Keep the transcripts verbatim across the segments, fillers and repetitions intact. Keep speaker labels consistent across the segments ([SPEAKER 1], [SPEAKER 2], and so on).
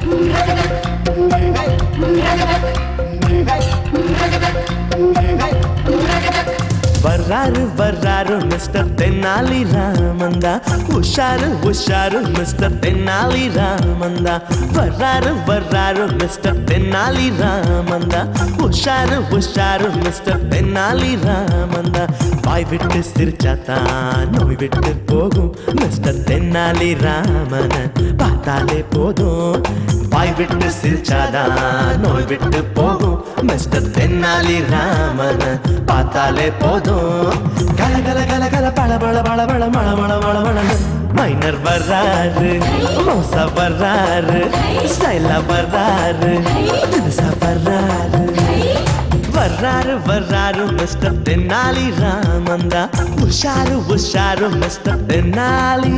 [SPEAKER 1] வர்றாரு வர்றாரு மிஸ்டர் தென்னாலி ராமந்தா, உஷாரு உஷாரு மிஸ்டர் தென்னாலி ராமந்தா. வர்றாரு வர்றாரு மிஸ்டர் தென்னாலி ராமந்தா, உஷாரு உஷாரு மிஸ்டர் தென்னாலி ராமந்தா. வாய் விட்டு சிரிச்சாத்தான் நோய் விட்டு போகும் மிஸ்டர் தென்னாலி ராமன பார்த்தாலே போதும். வாய் விட்டு சிரிச்சாதான் நோய் விட்டு போகும் மிஸ்டர் தென்னாலி ராமன பார்த்தாலே போதும். கல கல கல கல பள பள பள பள மள மள மள மள. மைனர் வர்றாரு, மோசா வர்றாரு, ஸ்டைலா வர்றாரு, தினுசா வர்றாரு. வர்றாரு வர்றாரு மிஸ்டர் தென்னாலி ராமந்தா, உஷாரு உஷாரு மிஸ்டர் தென்னாலி.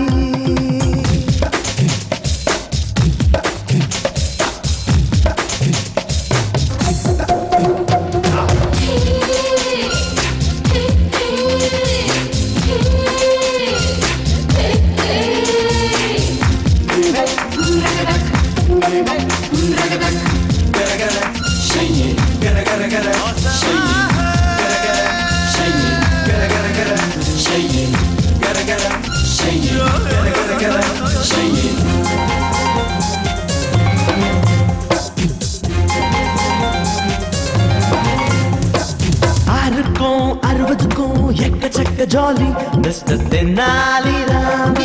[SPEAKER 1] ஆறுக்கும் அறுபதுக்கும் எக்கச்சக்க ஜாலி மிஸ்டர் தென்னாலி ராமன்.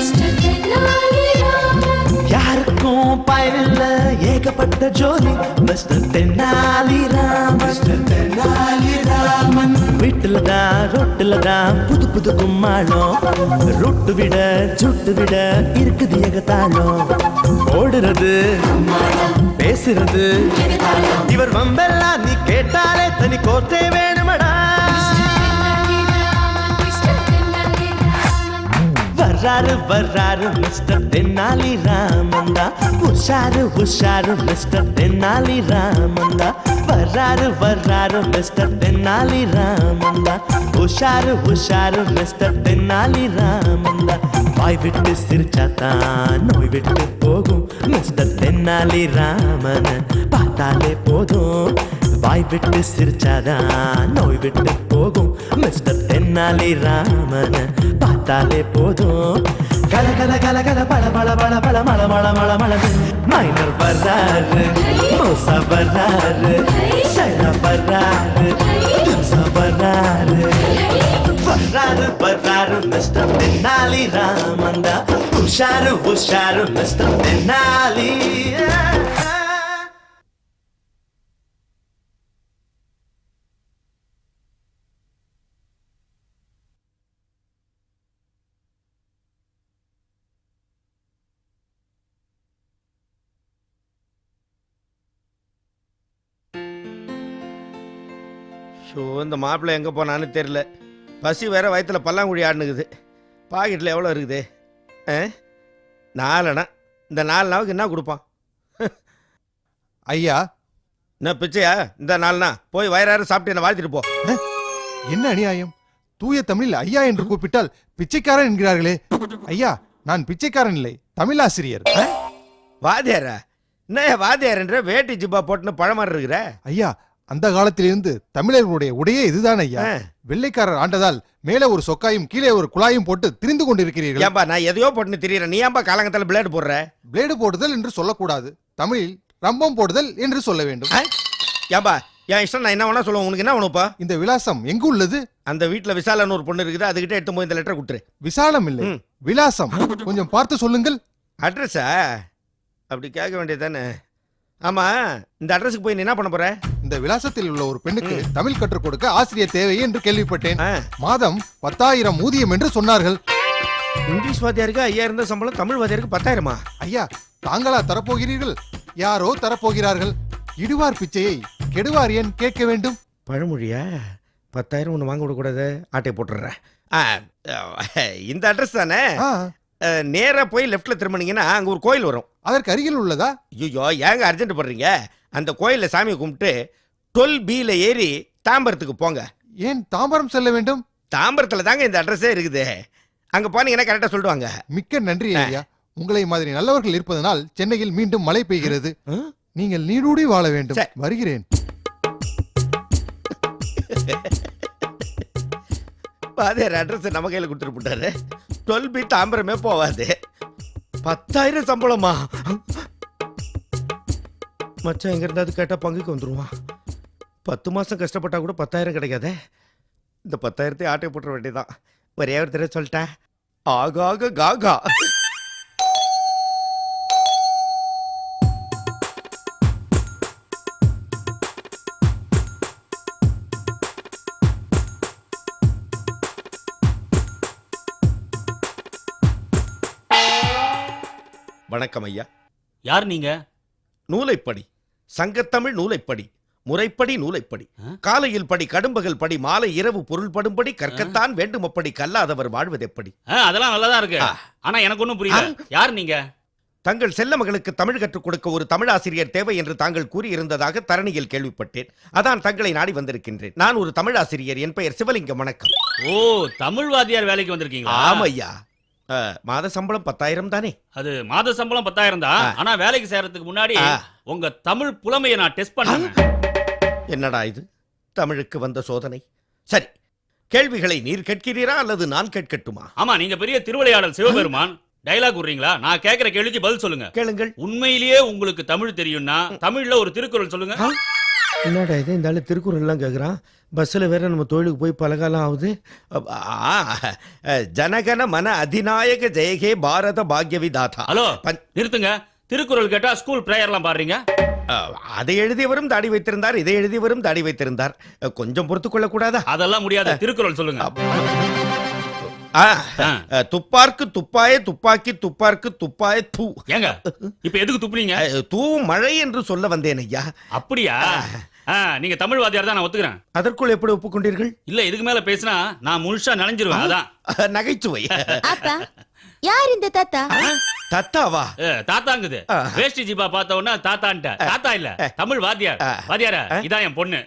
[SPEAKER 1] யாருக்கும் பயனில்ல ஏகப்பட்ட ஜோலி மிஸ்டர் தென்னாலி ராமன். தென்னாலி ராமன் வீட்டுல தான் ரொட்டுல தான் புது புது கும்மாளம், ரொட்டு விட சுட்டு விட இருக்குது ஏகத்தாளம். ஓடுறது பேசுறது இவர் வம்பெல்லாம் நீ கேட்டாலே தனி கோர்த்தே வேணுமடா. வர்றாரு வர்றாரு மிஸ்டர் தென்னாலி ராமந்தா, உஷாரு உஷாரு மிஸ்டர் தென்னாலி ராமந்தா. வர்றாரு வர்றாரு மிஸ்டர் தென்னாலி ராமந்தா, உஷாரு உஷாரு மிஸ்டர் தென்னாலி ராமந்தா. வாய் விட்டு சிரிச்சாத்தான் நோய் விட்டு போகும் மிஸ்டர் தென்னாலி ராமன பார்த்தாலே போதும். வாய் விட்டு சிரிச்சாதான் நோய் விட்டு போகும் மிஸ்டர் தென்னாலி ராமன பார்த்தாலே போதும். கல கல கல கல பள பள பள பள மள மள மள மள. மைனர் வர்றாரு, மோசா வர்றாரு, சைலா வர்றாரு, தினுசா வர்றாரு. வர்றாரு வர்றாரு மிஸ்டர் தென்னாலி ராமந்தா, உஷாரு உஷாரு மிஸ்டர் தென்னாலி.
[SPEAKER 2] ஷோ, இந்த மாப்பிள்ளை எங்கே போனான்னு தெரில. பசி வேற வயிற்றுல பல்லாங்குழி ஆடுனுக்குது. பாக்கெட்டில் எவ்வளோ இருக்குது? ஆ நாலணா. இந்த நாலு நாவுக்கு என்ன கொடுப்பான்?
[SPEAKER 3] ஐயா
[SPEAKER 2] என்ன பிச்சையா? இந்த நாலுனா போய் வயிறாரு சாப்பிட்டு என்ன வாழ்த்திட்டு போ.
[SPEAKER 3] என்ன அநியாயம்! தூய தமிழில் ஐயா என்று கூப்பிட்டால் பிச்சைக்காரன் என்கிறார்களே. ஐயா, நான் பிச்சைக்காரன் இல்லை, தமிழாசிரியர்.
[SPEAKER 2] வாத்தியாரா? என்ன வாத்தியார்ன்ற வேட்டி ஜிப்பா போட்டுன்னு பழமாறு இருக்கிற?
[SPEAKER 3] ஐயா, அந்த காலத்திலிருந்து தமிழர்களுடைய உடையே இதுதான் ஐயா. வெள்ளைக்காரர் ஆண்டதால் மேலே ஒரு சொக்காயும் கீழே ஒரு குழாயும் போட்டு திரிந்து கொண்டிருக்கிறீர்கள்.
[SPEAKER 2] ஏன்பா நான் எதையோ போட்டுன்னு திரியறேன், நீ ஏன்பா காலங்கத்தால பிளேடு போடுற?
[SPEAKER 3] பிளேடு போடுதல் என்று சொல்லக்கூடாது, தமிழில் ரம்பம் போடுதல் என்று சொல்ல வேண்டும்.
[SPEAKER 2] ஏன்பா என் இஷ்டம், நான் என்ன வேணா சொல்லுவேன். உனக்கு என்ன வேணுப்பா?
[SPEAKER 3] இந்த விலாசம் எங்கு உள்ளது?
[SPEAKER 2] அந்த வீட்டுல விசாலன்னு ஒரு பொண்ணு இருக்குது, அதுகிட்ட எடுத்து போய் இந்த லெட்டர் கொடுத்துரு.
[SPEAKER 3] விசாலம் இல்லை, விலாசம். கொஞ்சம் பார்த்து சொல்லுங்கள்.
[SPEAKER 2] அட்ரஸா? அப்படி கேட்க வேண்டியதானே. ஆமா, இந்த அட்ரஸுக்கு போய் நீ என்ன பண்ண போற?
[SPEAKER 3] இந்த விலாசத்தில் உள்ள ஒரு பெண்ணுக்கு தமிழ் கற்றுக் கொடுக்க ஆசிரியர் தேவை என்று கேள்விப்பட்டேன். மாதம் பத்தாயிரம் ஊதியம் என்று சொன்னார்கள்.
[SPEAKER 2] இங்கிலீஷ் வாத்தியாருக்கு ஐயாயிரம் தான் சம்பளம், தமிழ் வாத்தியாருக்கு பத்தாயிரமா?
[SPEAKER 3] ஐயா, தாங்களா தரப்போகிறீர்கள்? யாரோ தரப்போகிறார்கள். இடுவார் பிச்சையை கெடுவார் ஏன் கேட்க வேண்டும்?
[SPEAKER 2] பழமொழியா? பத்தாயிரம் ஒன்று வாங்க விடக்கூடாது, ஆட்டை போட்டுடுறேன். இந்த அட்ரஸ் தானே? நேரா போய் லெஃப்ட்ல திரும்பினீங்கன்னா அங்க ஒரு கோயில் வரும்.
[SPEAKER 3] அதற்கு அருகில் உள்ளதா?
[SPEAKER 2] ஐயோ, ஏங்க அர்ஜென்ட் பண்றீங்க? அந்த கோயில்ல சாமியை கும்பிட்டு டுவெல் பில ஏறி தாம்பரத்துக்கு போங்க.
[SPEAKER 3] ஏன் தாம்பரம் செல்ல வேண்டும்?
[SPEAKER 2] தாம்பரத்துல தாங்க இந்த அட்ரஸே இருக்குது. அங்க போனீங்கன்னா கரெக்டா சொல்லுவாங்க.
[SPEAKER 3] மிக்க நன்றி ஐயா. உங்களை மாதிரி நல்லவர்கள் இருப்பதனால் சென்னையில் மீண்டும் மழை பெய்கிறது. நீங்கள் நீடூடி வாழ வேண்டும். வருகிறேன்.
[SPEAKER 2] வாத்தியார் அட்ரஸ் நம்ம கையில் கொடுத்துட்டு போட்டாரு. டுவெல் பி தாம்பரமே போவாது. பத்தாயிரம் சம்பளமா? மச்சான் எங்க இருந்தாவது கேட்டா பங்குக்கு வந்துருவான். பத்து மாசம் கஷ்டப்பட்டா கூட பத்தாயிரம் கிடைக்காதே. இந்த பத்தாயிரத்தை ஆட்டை போட்டுற வேண்டியதான். ஒரே ஒரு தடவை சொல்லிட்டேன், ஆகாக காகா. வணக்கம் ஐயா.
[SPEAKER 4] யார் நீங்க?
[SPEAKER 2] நூலைப்படி, சங்கத்தமிழ் நூலைப்படி, முறைப்படி நூலைப்படி, காலையில் படி, கடும்பகல் படி, மாலை இரவு பொருள் படும்படி, கற்கத்தான் வேண்டும் அப்படி, கல்லாதவர் வாழ்வது எப்படி?
[SPEAKER 4] அதெல்லாம் நல்லதா இருக்கு. ஆனா எனக்கு ஒண்ணும் புரியல. யார் நீங்க?
[SPEAKER 2] தங்கள் செல்ல மகளுக்கு தமிழ் கற்றுக் கொடுக்க ஒரு தமிழ் ஆசிரியர் தேவை என்று தாங்கள் கூறியிருந்ததாக தரணியில் கேள்விப்பட்டேன். அதான் தங்களை நாடி வந்திருக்கின்றேன். நான் ஒரு தமிழ் ஆசிரியர். என் பெயர் சிவலிங்கம். வணக்கம்.
[SPEAKER 4] ஓ, தமிழ் வாத்தியார் வேலைக்கு வந்திருக்கீங்களா?
[SPEAKER 2] ஆமையா. மாத சம்பளம் பத்தாயிரம் தானே?
[SPEAKER 4] அது மாத சம்பளம் பத்தாயிரம் தான். ஆனா வேலைக்கு சேர்றதுக்கு முன்னாடி உங்க தமிழ் புலமையை நான் டெஸ்ட் பண்ணேன்.
[SPEAKER 2] என்னடா இது, தமிழுக்கு வந்த சோதனை? சரி, கேள்விகளை நீர் கேட்கிறீரா அல்லது நான் கேட்கட்டுமா?
[SPEAKER 4] ஆமா, நீங்க பெரிய திருவிளையாடல் சிவபெருமான். டைலாக் விடுறீங்களா? நான் கேட்கிற கேள்விக்கு பதில் சொல்லுங்க.
[SPEAKER 2] கேளுங்கள்.
[SPEAKER 4] உண்மையிலேயே உங்களுக்கு தமிழ் தெரியும்னா தமிழ்ல ஒரு திருக்குறள் சொல்லுங்க.
[SPEAKER 2] என்னடா இது, இந்த ஆளு திருக்குறள் எல்லாம் கேட்குறான். பஸ்ஸில் வேற நம்ம தொழிலுக்கு போய் பல காலம் ஆகுது. ஜனகன மன அதிநாயக ஜெயகே பாரத பாக்யவிதாதா.
[SPEAKER 4] ஹலோ, நிறுத்துங்க. திருக்குறள் கேட்டா ஸ்கூல் பிரேயர்லாம் பாடுறீங்க.
[SPEAKER 2] அதை எழுதியவரும் தாடி வைத்திருந்தார், இதை எழுதியவரும் தாடி வைத்திருந்தார். கொஞ்சம் பொறுத்து கொள்ள கூடாதா?
[SPEAKER 4] அதெல்லாம் முடியாது. திருக்குறள் சொல்லுங்க.
[SPEAKER 2] துப்பார்க்கு துப்பாய, துப்பாக்கி துப்பார்க்கு துப்பாய தூ.
[SPEAKER 4] ஏங்க இப்ப எதுக்கு துப்புனீங்க?
[SPEAKER 2] தூ மழை என்று சொல்ல வந்தேன் ஐயா.
[SPEAKER 4] அப்படியா? நீங்க தமிழ் வாத்தியார் தான், நான் ஒத்துக்கிறேன்.
[SPEAKER 2] அதற்குள் எப்படி ஒப்புக்கொண்டீர்கள்?
[SPEAKER 4] இல்ல, இதுக்கு மேல பேசினா நான் முழுசா நனைஞ்சிருவேன். அதான்
[SPEAKER 2] நகைச்சுவை.
[SPEAKER 5] அப்பா, யார் இந்த தாத்தா?
[SPEAKER 2] தாத்தாவா?
[SPEAKER 4] தாத்தாங்குது. வேஷ்டி ஜிபா பார்த்த உடனே தாத்தான்ட்ட. தாத்தா இல்ல, தமிழ் வாத்தியார். வாத்தியார, இதான் என் பொண்ணு.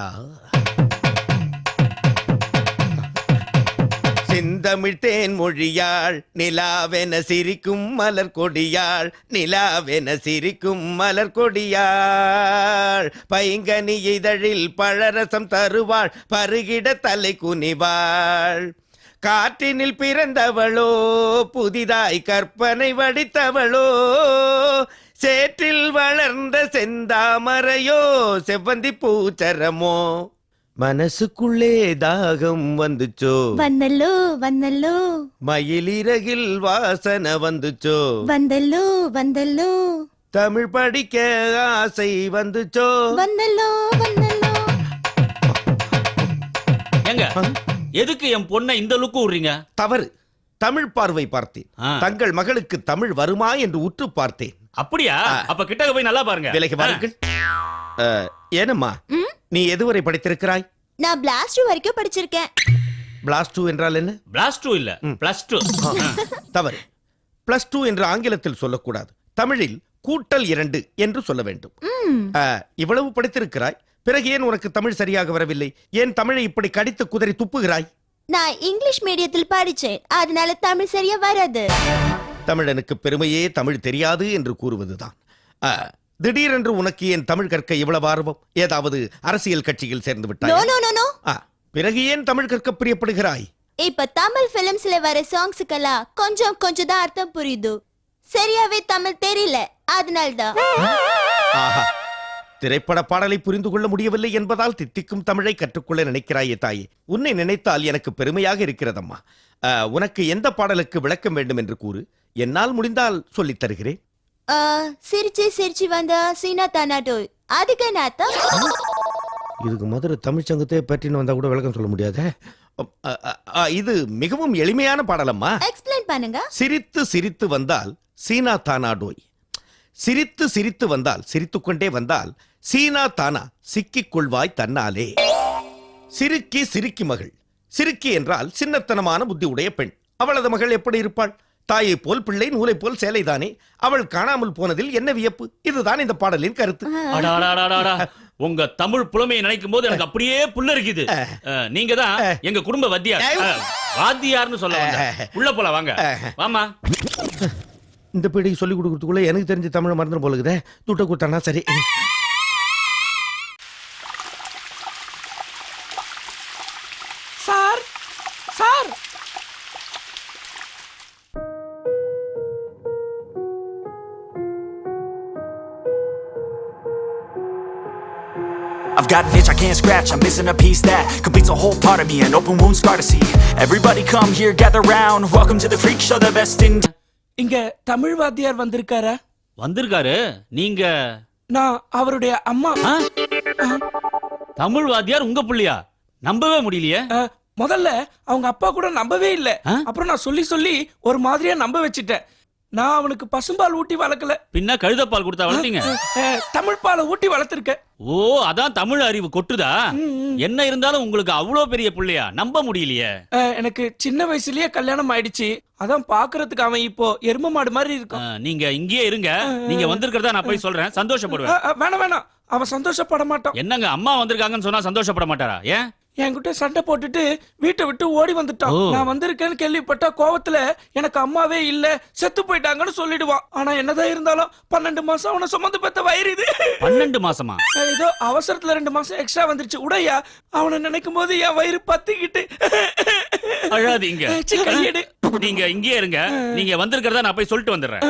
[SPEAKER 2] செந்தமிழ் தேன் மொழியாள், நிலாவென சிரிக்கும் மலர் கொடியாள், நிலாவென சிரிக்கும் மலர் கொடியாள், பைங்கனி இதழில் பழரசம் தருவாள், பருகிட தலை குனிவாள், காற்றினில் பிறந்தவளோ, புதிதாய் கற்பனை வடித்தவளோ, சேற்றில் வளர்ந்த செந்தாமரையோ, செவ்வந்தி பூச்சரமோ, மனசுக்குள்ளே தாகம் வந்துச்சோ,
[SPEAKER 5] வந்தல்லோ வந்தல்லோ,
[SPEAKER 2] மயிலிறகில் வாசனை வந்துச்சோ,
[SPEAKER 5] வந்தல்லோ வந்தல்லோ,
[SPEAKER 2] தமிழ் படிக்க ஆசை வந்துச்சோ,
[SPEAKER 5] வந்தல்லோ வந்தல்லோ.
[SPEAKER 4] ஏங்க, எதுக்கு என் பொண்ணை இந்த லுக்கு விடுறீங்க?
[SPEAKER 2] தவறு. தமிழ் பார்வை பார்த்தேன். தங்கள் மகளுக்கு தமிழ் வருமா என்று உற்று பார்த்தேன்.
[SPEAKER 4] அப்படியா? அப்ப கிட்டக்க போய் நல்லா பாருங்க.
[SPEAKER 2] விலைக்கு பாருங்கள். ஏனம்மா, நீ எதுவரை படித்திருக்கிறாய்?
[SPEAKER 5] நான் பிளாஸ் டூ வரைக்கும் படிச்சிருக்கேன்.
[SPEAKER 2] பிளாஸ் டூ என்றால் என்ன?
[SPEAKER 4] பிளாஸ் டூ இல்ல, பிளஸ் டூ.
[SPEAKER 2] தவறு. பிளஸ் டூ என்று ஆங்கிலத்தில் சொல்லக்கூடாது. தமிழில் கூட்டல் இரண்டு என்று சொல்ல வேண்டும். இவ்வளவு படித்திருக்கிறாய், பிறகு ஏன் உனக்கு தமிழ் சரியாக வரவில்லை? ஏன் தமிழை இப்படி கடித்து குதறி துப்புகிறாய்?
[SPEAKER 5] நான் இங்கிலீஷ் மீடியத்தில் படிச்சேன், அதனால தமிழ் சரியா வராது.
[SPEAKER 2] தமிழனுக்கு பெருமையே தமிழ் தெரியாது என்று கூறுவதுதான். திடீரென்று உனக்கு ஏன் தமிழ் கற்க இவ்வளவு ஆர்வம்? ஏதாவது அரசியல் கட்சியில் சேர்ந்து விட்டாய்?
[SPEAKER 5] No no no no.
[SPEAKER 2] பிறகு ஏன் தமிழ் கற்க பிரியப்படுகிறாய்?
[SPEAKER 5] இப்ப தமிழ் பிலிம்ஸ்ல வர சாங்ஸ்க்கெல்லாம் கொஞ்சம் கொஞ்சம் தான் அர்த்தம் புரியுது, சரியாவே தமிழ் தெரியல, அதனால்தான்.
[SPEAKER 2] ஆஹா, திரைப்பட பாடலை புரிந்து கொள்ள முடியவில்லை என்பதால் தித்திக்கும் தமிழை கற்றுக்கொள்ள நினைக்கிறாயே தாயே. உன்னை நினைத்தால் எனக்கு பெருமையாக இருக்கிறதம்மா. உனக்கு எந்த பாடலுக்கு விளக்கம் வேண்டும் என்று கூறு, என்னால் முடிந்தால் சொல்லித் தருகிறேன்.
[SPEAKER 5] சிரிச்சு சிரிச்சு வந்தா சீனா தானாடோய், அதுக்கு நாத்தா.
[SPEAKER 2] இதுக்கு மதுரை தமிழ் சங்கத்தை பற்றின்னு வந்தா கூட விளக்கம் சொல்ல முடியாத. இது மிகவும் எளிமையான பாடலம்மா.
[SPEAKER 5] எக்ஸ்பிளைன் பண்ணுங்க.
[SPEAKER 2] சிரித்து சிரித்து வந்தால் சீனா தானாடோய், சிரித்து சிரித்து வந்தால் சிரித்துக்கொண்டே வந்தால் சீனா தானா சிக்கிக் கொள்வாய் தன்னாலே. சிரிக்கி சிரிக்கி மகள். சிரிக்கி என்றால் சின்னத்தனமான புத்தி உடைய பெண். அவளது மகள் எப்படி இருப்பாள்? தாயை போல் பிள்ளை, நூலை போல் சேலைதானே. அவள் காணாமல் போனதில் என்ன வியப்பு? இதுதான் இந்த பாடலின் கருத்து.
[SPEAKER 4] உங்க தமிழ் புலமையை நினைக்கும் போது எனக்கு அப்படியே புல்ல இருக்குது. நீங்க தான் எங்க குடும்ப வாத்தியார். வாத்தியார்னு சொல்ல உள்ள போல வாங்க. வாமா.
[SPEAKER 2] இந்த பீடிக்கு சொல்லி கொடுக்கறதுக்குள்ள எனக்கு தெரிஞ்ச தமிழ் மறந்துடும் போலுக்குதே. துட்ட கொடுத்தானா சரி.
[SPEAKER 6] Sir sir
[SPEAKER 7] I've got an itch I can't scratch, I'm missing a piece that completes a whole part of me, an open wound scar to see. Everybody come here, gather round, welcome to the freak show, the best in...
[SPEAKER 6] இங்க தமிழ் வாத்தியார் வந்திருக்காரா?
[SPEAKER 4] வந்திருக்காரு. நீங்க
[SPEAKER 6] நான் அவருடைய அம்மா.
[SPEAKER 4] ஆ? தமிழ் வாத்தியார் உங்க புள்ளியா? நம்பவே முடியலையே.
[SPEAKER 6] அஹ், முதல்ல அவங்க அப்பா கூட நம்பவே இல்ல.
[SPEAKER 4] ஆ?
[SPEAKER 6] அப்புறம் நான் சொல்லி சொல்லி ஒரு மாதிரியா நம்ப வச்சிட்டேன். நான் அவனுக்கு பசும்பால் ஊட்டி வளர்க்கல.
[SPEAKER 4] பின்ன கழுதப்பால் கொடுத்தா வளர்த்தீங்க.
[SPEAKER 6] அஹ், தமிழ் பாலை ஊட்டி வளர்த்திருக்கேன்.
[SPEAKER 4] ஓ, அதான் தமிழ் அறிவு கொட்டுதா? என்ன இருந்தாலும் உங்களுக்கு அவ்வளோ பெரிய புள்ளையா? நம்ப முடியலையே.
[SPEAKER 6] அஹ், எனக்கு சின்ன வயசுலயே கல்யாணம் ஆயிடுச்சு. அதான் பாக்குறதுக்கு அவன் இப்போ எரும மாடு மாதிரி
[SPEAKER 4] ஆ,
[SPEAKER 6] இருக்கான்.
[SPEAKER 4] நீங்க இங்கேயே இருங்க. நீங்க வந்திருக்கிறதா நான் போய் சொல்றேன். சந்தோஷப்படுவேன்.
[SPEAKER 6] அஹ், அஹ், வேணாம் வேணாம், அவன் சந்தோஷப்பட மாட்டான்.
[SPEAKER 4] என்னங்க அம்மா வந்திருக்காங்கன்னு சொன்னா சந்தோஷப்பட மாட்டாரா? ஏன்?
[SPEAKER 6] என்கிட்ட சண்டை போட்டுட்டு வீட்டை விட்டு ஓடி வந்துட்டான்.
[SPEAKER 4] ஓ.
[SPEAKER 6] நான் வந்திருக்கேன்னு கேள்விப்பட்ட கோவத்துல எனக்கு அம்மாவே இல்ல, செத்து போயிட்டாங்கன்னு சொல்லிடுவான். ஆனா என்னதான் இருந்தாலும் பன்னெண்டு மாசம் அவனை சுமந்து பெத்த வயிறு இது.
[SPEAKER 4] பன்னெண்டு மாசமா?
[SPEAKER 6] ஏதோ அவசரத்துல ரெண்டு மாசம் எக்ஸ்ட்ரா வந்துருச்சு. உடையா அவனை நினைக்கும் போது என் வயிறு பத்திக்கிட்டு.
[SPEAKER 4] அழாதீங்க.
[SPEAKER 6] சி, கையெடு.
[SPEAKER 4] நீங்க இங்கேயே இருங்க. நீங்க வந்திருக்கிறதா நான் போய் சொல்லிட்டு வந்துடுறேன்.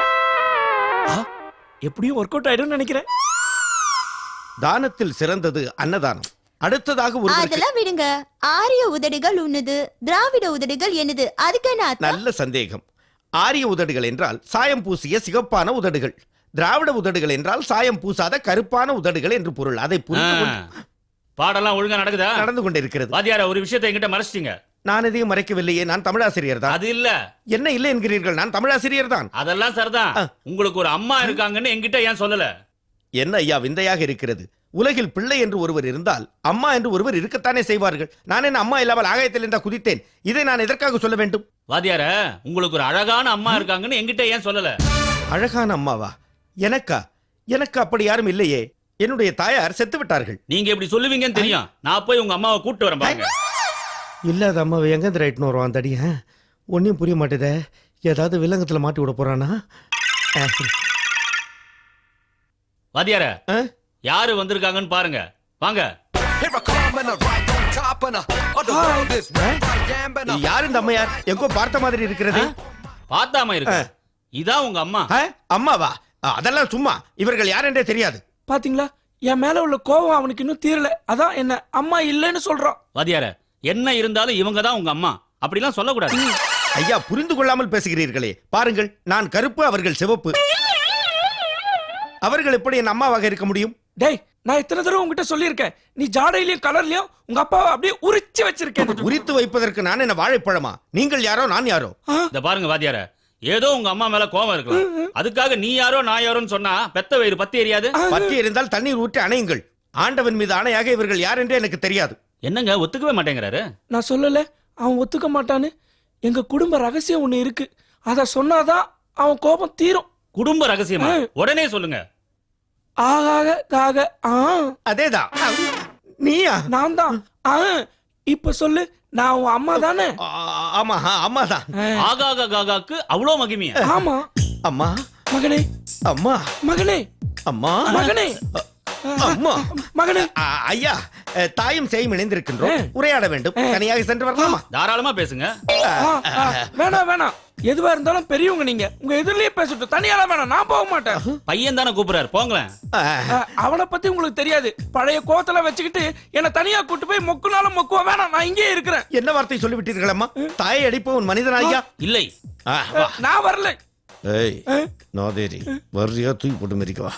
[SPEAKER 6] எப்படியும் ஒர்க் அவுட் ஆயிடும் நினைக்கிறேன்.
[SPEAKER 2] தானத்தில் சிறந்தது அன்னதானம். அடுத்ததாக ஒரு
[SPEAKER 5] அதெல்லாம் விடுங்க. ஆரிய உதடுகள் உன்னுது, திராவிட உதடுகள் என்னது, அதுக்கு என்ன அர்த்தம்?
[SPEAKER 2] நல்ல சந்தேகம். ஆரிய உதடுகள் என்றால் சாயம் பூசிய சிகப்பான உதடுகள், திராவிட உதடுகள் என்றால் சாயம் பூசாத கருப்பான உதடுகள் என்று பொருள். அதை புரிந்து
[SPEAKER 4] ஆ.
[SPEAKER 2] கொண்டு
[SPEAKER 4] பாடெல்லாம் ஒழுங்கா நடக்குதா?
[SPEAKER 2] நடந்து கொண்டிருக்கிறது.
[SPEAKER 4] வாத்தியார, ஒரு விஷயத்தை என்கிட்ட மறைச்சிட்டீங்க.
[SPEAKER 2] நான் எதையும் மறைக்கவில்லையே, நான் தமிழாசிரியர் தான்.
[SPEAKER 4] அது இல்ல.
[SPEAKER 2] என்ன இல்லை என்கிறீர்கள்? நான் தமிழாசிரியர் தான்.
[SPEAKER 4] அதெல்லாம் சரிதான். உங்களுக்கு ஒரு அம்மா இருக்காங்கன்னு என்கிட்ட ஏன் சொல்லல?
[SPEAKER 2] என்ன ஐயா விந்தையாக இருக்கிறது. உலகில் பிள்ளை என்று ஒருவர் இருந்தால் அம்மா என்று ஒருவர் இருக்கத்தானே செய்வார்கள். நான் என்ன அம்மா இல்லாமல் ஆகாயத்தில் இருந்தா குதித்தேன்? இதை நான் எதற்காக சொல்ல வேண்டும்?
[SPEAKER 4] வாத்தியார, உங்களுக்கு ஒரு அழகான அம்மா இருக்காங்கன்னு என்கிட்ட ஏன் சொல்லல?
[SPEAKER 2] அழகான அம்மாவா? எனக்கா? எனக்கு அப்படி யாரும் இல்லையே. என்னுடைய தாயார் செத்து விட்டார்கள்.
[SPEAKER 4] நீங்க இப்படி சொல்லுவீங்கன்னு தெரியும். நான் போய் உங்க அம்மாவை கூட்டு வரேன் பாருங்க.
[SPEAKER 2] இல்லாத அம்மாவை எங்க ரைட்னு வருவான் தடிய? ஒன்னும் புரிய மாட்டேதே. ஏதாவது விலங்கத்துல மாட்டி விட போறானா?
[SPEAKER 4] வாத்தியார,
[SPEAKER 2] ஆ?
[SPEAKER 4] யாரு வந்திருக்காங்கன்னு பாருங்க. வாங்க.
[SPEAKER 2] யார் இந்த அம்மையார்? எங்கோ பார்த்த மாதிரி இருக்கிறது.
[SPEAKER 4] பார்த்தாம இருக்கு. இதான் உங்க அம்மா.
[SPEAKER 2] ஆ? அம்மாவா? அதெல்லாம் சும்மா. இவர்கள் யார் என்றே தெரியாது.
[SPEAKER 6] பாத்தீங்களா, என் மேல உள்ள கோவம் அவனுக்கு இன்னும் தீரல. அதான் என்ன அம்மா இல்லைன்னு சொல்றான்.
[SPEAKER 4] வாத்தியார, என்ன இருந்தாலும் இவங்க தான் உங்க அம்மா. அப்படிலாம் சொல்லக்கூடாது.
[SPEAKER 2] ஐயா, புரிந்து கொள்ளாமல் பேசுகிறீர்களே. பாருங்கள், நான் கருப்பு, அவர்கள் சிவப்பு. அவர்கள் எப்படி என் அம்மாவாக இருக்க முடியும்?
[SPEAKER 6] டேய், நான் எத்தனை தடவை உங்ககிட்ட சொல்லியிருக்கேன், நீ ஜாடையிலயும் கலர்லயும் உங்க அப்பாவை அப்படியே உரிச்சு வச்சிருக்கேன்.
[SPEAKER 2] உரித்து வைப்பதற்கு நான் என்ன வாழைப்பழமா? நீங்கள் யாரோ, நான் யாரோ?
[SPEAKER 4] இந்த பாருங்க வாத்தியார, ஏதோ உங்க அம்மா மேல கோவம் இருக்கலாம். அதுக்காக நீ யாரோ நான் யாரோன்னு சொன்னா பெத்த வயிறு பத்தி எரியாது.
[SPEAKER 2] பத்தி எரிந்தால் தண்ணீர் ஊற்றி அணையுங்கள். ஆண்டவன் மீது ஆணையாக இவர்கள் யார் என்றே எனக்கு தெரியாது.
[SPEAKER 4] என்னங்க ஒத்துக்கவே மாட்டேங்கிறாரு?
[SPEAKER 6] நான் சொல்லல, அவன் ஒத்துக்க மாட்டான்னு. எங்க குடும்ப ரகசியம் ஒண்ணு இருக்கு, அத சொன்னாதான் அவன் கோபம் தீரும்.
[SPEAKER 4] குடும்ப ரகசியமா? உடனே சொல்லுங்க.
[SPEAKER 6] ஆகாக காக ஆ
[SPEAKER 2] அதேதான். நீயா?
[SPEAKER 6] நான் தான். ஆ இப்ப சொல்லு, நான் உன் அம்மா தானே?
[SPEAKER 2] ஆ- ஆமா அம்மாதான்.
[SPEAKER 4] ஆகாக காகாக்கு அவ்வளோ மகிமையா?
[SPEAKER 6] ஆமா.
[SPEAKER 2] அம்மா,
[SPEAKER 6] மகனே,
[SPEAKER 2] அம்மா,
[SPEAKER 6] மகனே,
[SPEAKER 2] அம்மா,
[SPEAKER 6] மகனே,
[SPEAKER 2] அம்மா.
[SPEAKER 6] மகனே.
[SPEAKER 2] ஆ, ஐயா, அ, தாயும் சேயும் இணைந்திருக்கின்றோம். உரையாட வேண்டும். தனியாக சென்று வரலாமா?
[SPEAKER 4] தாராளமா பேசுங்க.
[SPEAKER 6] ஆ, ஆ, வேணாம் வேணாம், எதுவா இருந்தாலும் பெரியவங்க நீங்க, உங்க எதிரிலேயே பேசட்டும். தனியால வேணாம், நான் போக மாட்டேன்.
[SPEAKER 4] பையன் தானே கூப்பிடுறாரு, போங்களேன்.
[SPEAKER 2] ஆ,
[SPEAKER 6] ஆ, அவனை பத்தி உங்களுக்கு தெரியாது. பழைய கோத்தல வச்சுக்கிட்டு என்ன தனியா கூட்டு போய் மொக்குனாலும் மொக்குவா. வேணாம், நான் இங்கேயே இருக்கிறேன்.
[SPEAKER 2] என்ன வார்த்தை சொல்லிவிட்டீர்கள் அம்மா? தாயை அடிப்பவன் மனிதன் ஐயா?
[SPEAKER 4] இல்லை.
[SPEAKER 2] ஆ, வா.
[SPEAKER 6] நான் வரல.
[SPEAKER 2] ஏய், நாதேரி வர்றியா? தூக்கி போட்டு மிதிக்கவா?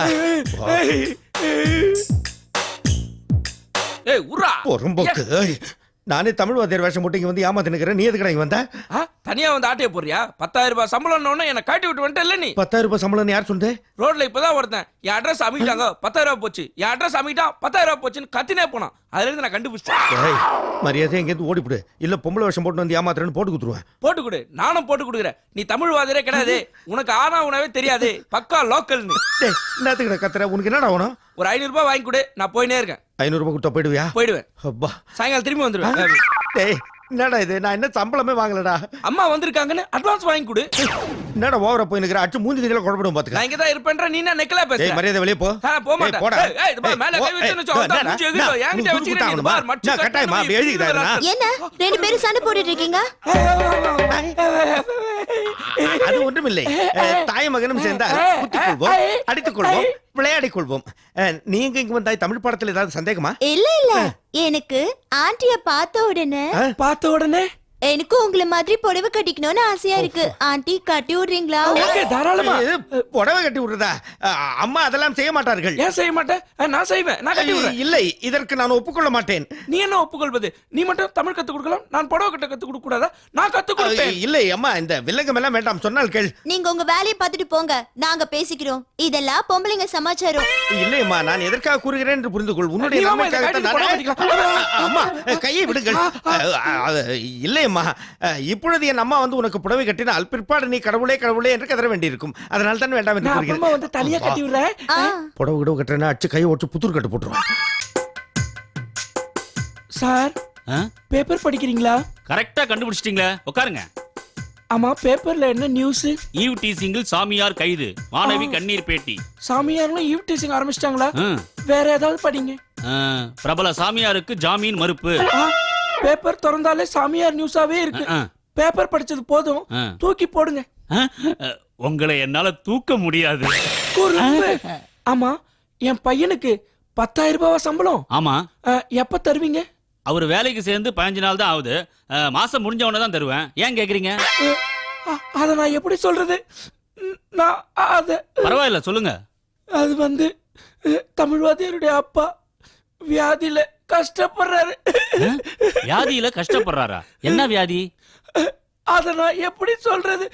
[SPEAKER 6] ஏய் உர்ரா.
[SPEAKER 2] பொறும்போக்கு. ஏய், நானே தமிழ் வாத்தியார் வேஷம் போட்டு இங்க வந்து ஏமாத்தி நிக்கிறேன். நீ எதுக்கு இங்க வந்த?
[SPEAKER 6] ஆ, தனியா வந்து ஆட்டைய போறியா? பத்தாயிரம் ரூபாய் சம்பளம் என்ன காட்டி விட்டு வந்துட்டல நீ.
[SPEAKER 2] பத்தாயிரம் ரூபாய் சம்பளம் யார் சொன்னது?
[SPEAKER 6] ரோட்ல இப்பதான் ஒருத்தன் என் அட்ரஸ் அமிட்டாங்க, பத்தாயிரம் ரூபாய் போச்சு, என் அட்ரஸ் அமிட்டா பத்தாயிரம் ரூபாய் போச்சுன்னு கத்தினே போனான். அதுல இருந்து நான் கண்டுபிடிச்சேன்.
[SPEAKER 2] ஏய், மரியாதை எங்கேருந்து ஓடிப்புடு. இல்ல பொம்பளை வேஷம் போட்டு வந்து ஏமாத்துறேன்னு போட்டு குத்துருவேன்.
[SPEAKER 6] போட்டு கொடு, நானும் போட்டு கொடுக்குறேன். நீ தமிழ் வாதிரே கிடையாது, உனக்கு ஆனா உணவே தெரியாது, பக்கா லோக்கல்னு.
[SPEAKER 2] டேய், என்னத்துக்கு கத்துற? உனக்கு என்னடா ஆகணும்?
[SPEAKER 6] ஒரு ஐநூறு ரூபாய் வாங்கி கொடு, நான் போயினே இருக்கேன்.
[SPEAKER 2] ஐநூறு ரூபாய் கொடுத்தா போயிடுவியா?
[SPEAKER 6] போயிடுவேன்.
[SPEAKER 2] அப்பா,
[SPEAKER 6] சாயங்காலம் திரும்பி வந்துடுவேன்.
[SPEAKER 2] டேய், என்னடா இது நான் என்ன சம்பளமே வாங்கலடா.
[SPEAKER 6] அம்மா வந்திருக்காங்கன்னு அட்வான்ஸ் வாங்கி கொடு.
[SPEAKER 2] என்னடா ஓவரா போய் நிக்கிற அச்சு மூஞ்சி நீங்கள குழப்படும் பாத்துக்க.
[SPEAKER 6] நான் இங்க தான் இருப்பேன்ற நீ என்ன நெக்கலா பேசுற?
[SPEAKER 2] ஏய் மரியாதை வெளிய போ.
[SPEAKER 6] ஆ போ மாட்டேன்.
[SPEAKER 2] ஏய், போடா.
[SPEAKER 6] ஏய், ஏய், இது பாரு, மேல கை வச்சுன்னு வச்சு, அவன் மூஞ்சி எகிரும். என்கிட்ட வச்சுக்கிறேன் நீ பார், மச்சு
[SPEAKER 2] நான் கட்டாயமா அப்படி எழுதிக்கிறாருனா.
[SPEAKER 5] என்ன ரெண்டு பேரும் சண்டை போட்டுட்டு இருக்கீங்க?
[SPEAKER 2] அது ஒன்றுமில்லை. அஹ், தாய் மகனும் சேர்ந்தால் குத்திக் கொள்வோம், அடித்துக் கொள்வோம், விளையாடிக் கொள்வோம். அஹ், நீங்க இங்க வந்தாய் தமிழ் படத்துல ஏதாவது சந்தேகமா?
[SPEAKER 5] இல்ல இல்ல எனக்கு ஆண்டிய பார்த்த உடனே
[SPEAKER 6] பார்த்த உடனே
[SPEAKER 5] எனக்கு உங்களை மாதிரி புடவை கட்டிக்கணும்னு ஆசையா இருக்கு. ஆண்டி கட்டி விடுறீங்களா?
[SPEAKER 6] ஓகே தாராளமா.
[SPEAKER 2] இது புடவை கட்டி விடுறதா? அஹ், அம்மா அதெல்லாம் செய்ய மாட்டார்கள்.
[SPEAKER 6] ஏன் செய்ய மாட்டேன்? ஆ, நான் செய்வேன், நான் கட்டி விடுறேன்.
[SPEAKER 2] இல்லை, இதற்கு நான் ஒப்புக்கொள்ள மாட்டேன்.
[SPEAKER 6] நீ என்ன ஒப்புக்கொள்வது? நீ மட்டும் தமிழ் கத்து கொடுக்கலாம், நான் புடவை கட்ட கத்து கொடுக்க கூடாதா? நான் கத்து கொடுப்பேன்.
[SPEAKER 2] அஹ், இல்லை அம்மா, இந்த வில்லங்கம் எல்லாம் வேண்டாம், சொன்னால் கேள்.
[SPEAKER 5] நீங்க உங்க வேலையை பார்த்துட்டு போங்க, நாங்க பேசிக்கிறோம். இதெல்லாம் பொம்பளைங்க சமாச்சாரம்.
[SPEAKER 2] இல்லை அம்மா, நான் எதற்காக கூறுகிறேன் என்று புரிந்து கொள். உன்னுடைய
[SPEAKER 6] நீ வாம்மா, இதை
[SPEAKER 2] நன்மைக்காகத்தான்
[SPEAKER 6] கட்டி
[SPEAKER 2] நானே-
[SPEAKER 6] புடவை கட்டிக்கலாம்.
[SPEAKER 2] அம்மா கையை விடுங்கள். அஹ், அது இல்லை அம்மா, அஹ், இப்பொழுது என் அம்மா வந்து உனக்கு புடவை கட்டினால் பிற்பாடு நீ கடவுளே கடவுளே என்று கதற வேண்டியிருக்கும். அதனால தான் வேண்டாம் என்று
[SPEAKER 6] நான் அப்புறமா
[SPEAKER 2] கூறுகிறேன்.
[SPEAKER 6] வந்து தனியா கட்டி விடுறேன்.
[SPEAKER 5] ஆ,
[SPEAKER 2] புடவை கிடவு கட்டுறேன்னா அச்சு கையை ஓட்டு புத்தூர் கட்டு போட்டுருவான்.
[SPEAKER 6] சார்
[SPEAKER 4] ஆ?
[SPEAKER 6] பேப்பர் படிக்கிறீங்களா?
[SPEAKER 4] கரெக்டா கண்டுபிடிச்சிட்டீங்களே, உட்காருங்க.
[SPEAKER 6] ஆமா, பேப்பர்ல என்ன நியூஸ்?
[SPEAKER 4] ஈவ் டீசிங்கில் சாமியார் கைது, மாணவி கண்ணீர் பேட்டி.
[SPEAKER 6] சாமியார்களும் ஈவ் டீசிங் ஆரம்பிச்சிட்டாங்களா?
[SPEAKER 4] ஆ.
[SPEAKER 6] வேற ஏதாவது படிங்க.
[SPEAKER 4] ஆ, பிரபல சாமியாருக்கு ஜாமீன் மறுப்பு.
[SPEAKER 6] ஆ, பேப்பர் திறந்தாலே சாமியார் நியூஸாவே இருக்கு.
[SPEAKER 4] ஆ.
[SPEAKER 6] பேப்பர் படிச்சது போதும்,
[SPEAKER 4] ஆ.
[SPEAKER 6] தூக்கி போடுங்க.
[SPEAKER 4] ஆ? உங்களை என்னால தூக்க முடியாது.
[SPEAKER 6] குறும்பு. ஆமா, என் பையனுக்கு பத்தாயிரம் ரூபாய் சம்பளம்.
[SPEAKER 4] ஆமா,
[SPEAKER 6] ஆ, எப்ப தருவீங்க?
[SPEAKER 4] அவர் வேலைக்கு சேர்ந்து பதினஞ்சு நாள் தான் ஆகுது. ஆ, மாசம் முடிஞ்ச உடனே தான் தருவேன். ஏன் கேக்குறீங்க?
[SPEAKER 6] ஆ, அத நான் எப்படி சொல்றது? ம், நான் அத
[SPEAKER 4] பரவாயில்ல, சொல்லுங்க.
[SPEAKER 6] அது வந்து அஹ், தமிழ்வாதியருடைய அப்பா வியாதியில கஷ்டப்படுறாரு.
[SPEAKER 4] ஆ? வியாதியில கஷ்டப்படுறாரா? என்ன வியாதி?
[SPEAKER 6] அத நான் எப்படி சொல்றது?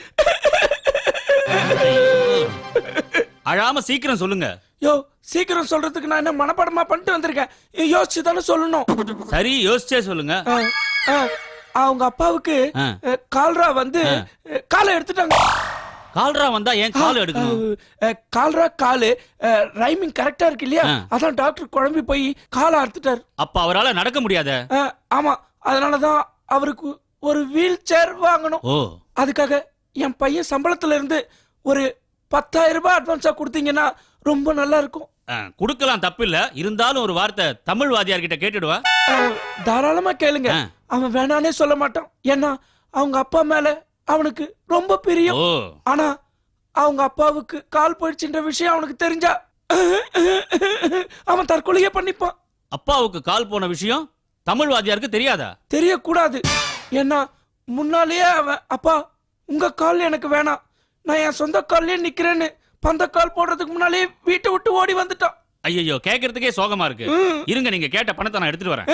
[SPEAKER 4] அழாம சீக்கிரம் சொல்லுங்க.
[SPEAKER 6] யோ, சீக்கிரம் சொல்றதுக்கு நான் என்ன மனப்பாடமா பண்ணிட்டு வந்திருக்கேன். யோசிச்சு தானே சொல்லணும்.
[SPEAKER 4] சரி, யோசிச்சே சொல்லுங்க.
[SPEAKER 6] ஆ, ஆ, அவங்க அப்பாவுக்கு
[SPEAKER 4] ஆ.
[SPEAKER 6] அஹ், கால்ரா வந்து அஹ், காலை எடுத்துட்டாங்க.
[SPEAKER 4] கால்ரா வந்தா ஏன் கால் எடுக்கணும்?
[SPEAKER 6] அஹ், கால்ரா காலு ரைமிங் கரெக்டா இருக்கு இல்லையா?
[SPEAKER 4] ஆ.
[SPEAKER 6] அதான் டாக்டர் குழம்பி போய் காலை அறுத்துட்டாரு.
[SPEAKER 4] அப்ப அவரால நடக்க முடியாத.
[SPEAKER 6] அஹ், ஆமா, அதனாலதான் அவருக்கு ஒரு வீல் சேர் வாங்கணும்.
[SPEAKER 4] ஓ,
[SPEAKER 6] அதுக்காக என் பையன் சம்பளத்துல இருந்து ஒரு பத்தாயிரம் ரூபாய் அட்வான்ஸா கொடுத்தீங்கன்னா ரொம்ப நல்லா இருக்கும்.
[SPEAKER 4] ஆ, குடுக்கலாம், தப்பில்ல. இருந்தாலும் ஒரு வார்த்தை தமிழ் வாத்தியார் கிட்ட கேட்டுடுவா.
[SPEAKER 6] அஹ், தாராளமா கேளுங்க.
[SPEAKER 4] ஆ.
[SPEAKER 6] அவன் வேணானே சொல்ல மாட்டான். ஏன்னா அவங்க அப்பா மேல அவனுக்கு ரொம்ப பிரியம்.
[SPEAKER 4] ஓ,
[SPEAKER 6] ஆனா அவங்க அப்பாவுக்கு கால் போயிடுச்சுன்ற விஷயம் அவனுக்கு தெரிஞ்சா அவன் தற்கொலையே பண்ணிப்பான்.
[SPEAKER 4] அப்பாவுக்கு கால் போன விஷயம் தமிழ் வாத்தியாருக்கு தெரியாதா?
[SPEAKER 6] தெரியக்கூடாது. ஏன்னா முன்னாலேயே அவன் அப்பா உங்க கால் எனக்கு வேணாம், நான் என் சொந்த கால்லயே நிக்கிறேன்னு பந்த கால் போடுறதுக்கு முன்னாலே வீட்டை விட்டு ஓடி வந்துட்டான்.
[SPEAKER 4] ஐயோ, கேக்குறதுக்கே சோகமா இருக்கு. இருங்க, நீங்க கேட்ட பணத்தை நான் எடுத்துட்டு வரேன்.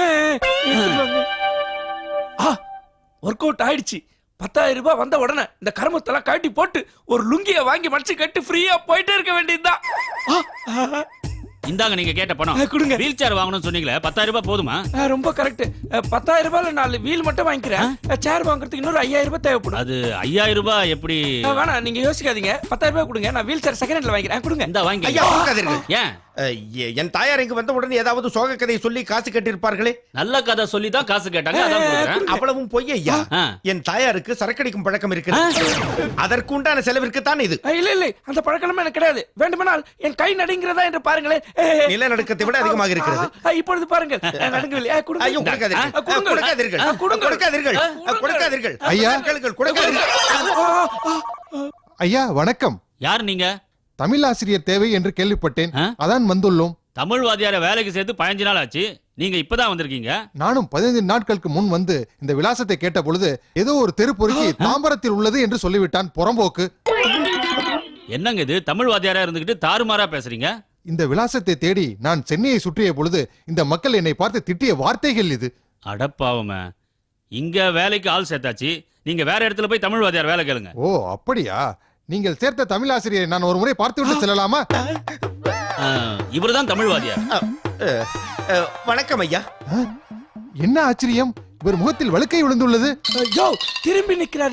[SPEAKER 6] ஒர்க் அவுட் ஆயிடுச்சு. பத்தாயிரம் ரூபாய் வந்த உடனே இந்த கருமத்தெல்லாம் கட்டி போட்டு ஒரு லுங்கிய வாங்கி மடிச்சு கட்டி ஃப்ரீயா போயிட்டே இருக்க வேண்டியதுதான்.
[SPEAKER 4] இந்தாங்க நீங்க கேட்ட பணம்.
[SPEAKER 6] ஆ, கொடுங்க.
[SPEAKER 4] வீல் சேர் வாங்கணும்னு சொன்னீங்களே, பத்தாயிரம் ரூபாய் போதுமா?
[SPEAKER 6] ஆ, ரொம்ப கரெக்ட். பத்தாயிரம் ரூபாய்ல நாலு வீல் மட்டும் வாங்கிக்கிறேன். சேர் வாங்குறதுக்கு இன்னொரு ஐயாயிரம் ரூபாய் தேவைப்படும்.
[SPEAKER 4] அது ஐயாயிரம் ரூபாய் எப்படி?
[SPEAKER 6] ஆ, வேணாம், நீங்க யோசிக்காதீங்க. பத்தாயிரம் ரூபாய் கொடுங்க, நான் வீல் சேர் செகண்ட் ஹேண்ட்ல வாங்கிக்கிறேன். கொடுங்க.
[SPEAKER 4] இந்த வாங்கி.
[SPEAKER 2] ஐயா கொடுக்காதீர்கள்.
[SPEAKER 4] ஏன்?
[SPEAKER 2] அஹ், எ- என் தாயார் இங்கு வந்த உடனே ஏதாவது சோக கதையை சொல்லி காசு கட்டியிருப்பார்களே.
[SPEAKER 4] நல்ல கதை சொல்லி தான் காசு கேட்டாங்க, அதான் கொடுக்குறேன்.
[SPEAKER 2] அவ்வளவும் பொய் ஐயா.
[SPEAKER 4] ஆ.
[SPEAKER 2] என் தாயாருக்கு சரக்கடிக்கும் பழக்கம் இருக்கிறது. அதற்கு உண்டான செலவிற்கு தான் இது.
[SPEAKER 6] ஆ, இல்ல இல்ல, அந்த பழக்கமே எனக்கு கிடையாது. வேண்டுமானால் என் கை நடுங்கிறதா என்று பாருங்களேன். ஏ, ஏ,
[SPEAKER 2] நிலநடுக்கத்தை விட அதிகமாக இருக்கிறது.
[SPEAKER 6] ஆ, இப்பொழுது பாருங்கள். ஆ, நடுங்கவில்லை. ஆ, கொடுங்க.
[SPEAKER 2] ஐயோ கொடுக்காதீர்கள்.
[SPEAKER 6] ஆ, கொடுங்க.
[SPEAKER 2] கொடுக்காதீர்கள்.
[SPEAKER 6] ஆ, கொடுங்க.
[SPEAKER 2] கொடுக்காதீர்கள்.
[SPEAKER 6] கொடுங்க.
[SPEAKER 2] கொடுக்காதீர்கள்.
[SPEAKER 3] ஐயா.
[SPEAKER 2] கேளுங்கள், கொடுக்காதீர்கள்.
[SPEAKER 6] ஆ, ஆ, ஆ.
[SPEAKER 3] ஐயா வணக்கம்.
[SPEAKER 4] யார் நீங்க?
[SPEAKER 3] தமிழ் ஆசிரியர் தேவை என்று கேள்விப்பட்டேன்,
[SPEAKER 4] ஆ?
[SPEAKER 3] அதான் வந்துள்ளோம்.
[SPEAKER 4] தமிழ் வாத்தியார வேலைக்கு சேர்த்து பதினஞ்சு நாள் ஆச்சு. நீங்க இப்பதான் வந்திருக்கீங்க.
[SPEAKER 3] நானும் பதினைந்து நாட்களுக்கு முன் வந்து இந்த விலாசத்தை கேட்ட பொழுது ஏதோ ஒரு தெருப்பொறுக்கி தாம்பரத்தில் உள்ளது என்று சொல்லிவிட்டான் புறம்போக்கு.
[SPEAKER 4] என்னங்க இது, தமிழ் வாத்தியாரா இருந்துகிட்டு தாறுமாறா பேசுறீங்க?
[SPEAKER 3] இந்த விலாசத்தை தேடி நான் சென்னையை சுற்றிய பொழுது இந்த மக்கள் என்னை பார்த்து திட்டிய வார்த்தைகள் இது.
[SPEAKER 4] அடப்பாவமே, இங்க வேலைக்கு ஆள் சேர்த்தாச்சு, நீங்க வேற இடத்துல போய் தமிழ் வாத்தியார் வேலை கேளுங்க.
[SPEAKER 3] ஓ அப்படியா? நீங்கள் சேர்த்த தமிழ் ஆசிரியரை நான் ஒரு முறை பார்த்து விட்டு செல்லலாமா?
[SPEAKER 4] இவர்தான் தமிழ் வாத்தியார்.
[SPEAKER 2] அஹ், அஹ், வணக்கம் ஐயா.
[SPEAKER 3] என்ன ஆச்சரியம், இவர் முகத்தில் வழுக்கை விழுந்துள்ளது.
[SPEAKER 6] ஐயோ, திரும்பி நிக்கிறாரியா?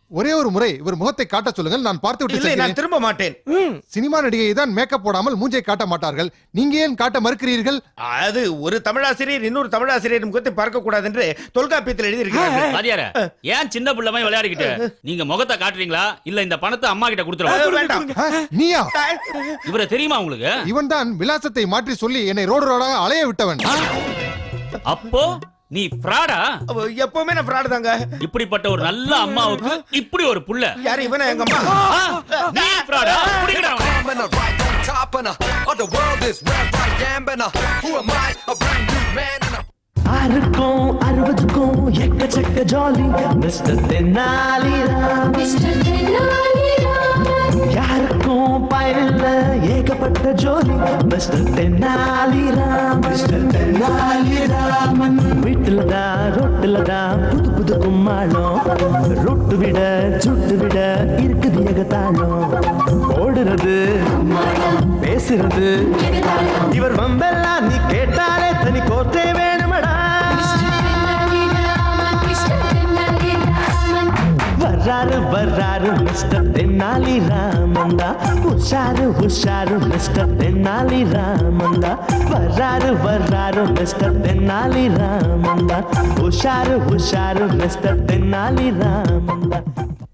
[SPEAKER 3] ஒரே ஒரு முறை இவர் முகத்தை காட்ட சொல்லுங்கள், நான் பார்த்து விட்டு
[SPEAKER 2] இல்லை, நான்
[SPEAKER 3] செல்கிறேன்.
[SPEAKER 2] திரும்ப மாட்டேன்.
[SPEAKER 3] சினிமா நடிகை தான் மேக்கப் போடாமல் மூஞ்சை காட்ட மாட்டார்கள், நீங்க ஏன் காட்ட மறுக்கிறீர்கள்?
[SPEAKER 2] அது ஒரு தமிழாசிரியர் இன்னொரு தமிழாசிரியர் முகத்தை பார்க்க கூடாது என்று தொல்காப்பியத்தில் எழுதியிருக்கிறார்கள்.
[SPEAKER 4] வாத்தியார ஏன் சின்ன பிள்ளை மாதிரி விளையாடிக்கிட்டு நீங்க முகத்தை காட்டுறீங்களா இல்ல இந்த பணத்தை அம்மா கிட்ட கொடுத்துருவா?
[SPEAKER 2] அஹ், வேண்டாம்.
[SPEAKER 3] ஆ, நீயா?
[SPEAKER 4] இவரை தெரியுமா உங்களுக்கு?
[SPEAKER 3] இவன் தான் விலாசத்தை மாற்றி சொல்லி என்னை ரோடு ரோடாக அலைய விட்டவன்.
[SPEAKER 4] அப்போ நீ ஃப்ராடா?
[SPEAKER 2] அவ எப்பவுமே நான் fraud தாங்க.
[SPEAKER 4] இப்படிப்பட்ட ஒரு நல்ல அம்மாவுக்கு இப்படி ஒரு புள்ள.
[SPEAKER 2] யாரு இவனா எங்க அம்மா?
[SPEAKER 4] ஆ, நீ ஃப்ராடா? புடிங்கடா அவனை.
[SPEAKER 8] I'm in a right on top and uh, the world is where I am and uh, who am I? A brand new man and uh,
[SPEAKER 1] ஆறுக்கும் அறுபதுக்கும் எக்கச்சக்க ஜாலி மிஸ்டர் தென்னாலிராம். யாருக்கும் பயனில்ல ஏகப்பட்ட ஜோலி மிஸ்டர் தென்னாலிராம். மிஸ்டர் தென்னாலிராமன் வீட்டுல தான் ரொட்டுல தான் புது புது கும்மாளம், ரொட்டு விட சுட்டு விட இருக்குது ஏகத்தாளம். ஓடுறது பேசுறது இவர் வம்பெல்லாம் நீ கேட்டாலே தனி கோத்தே வேணுமடா. வர்றாரு வர்றாரு மிஸ்டர் தென்னாலி ராமந்தா, உஷாரு உஷாரு மிஸ்டர் தென்னாலி ராமந்தா. வர்றாரு வர்றாரு மிஸ்டர் தென்னாலி ராமந்தா, உஷாரு உஷாரு மிஸ்டர் தென்னாலி ராமந்தா.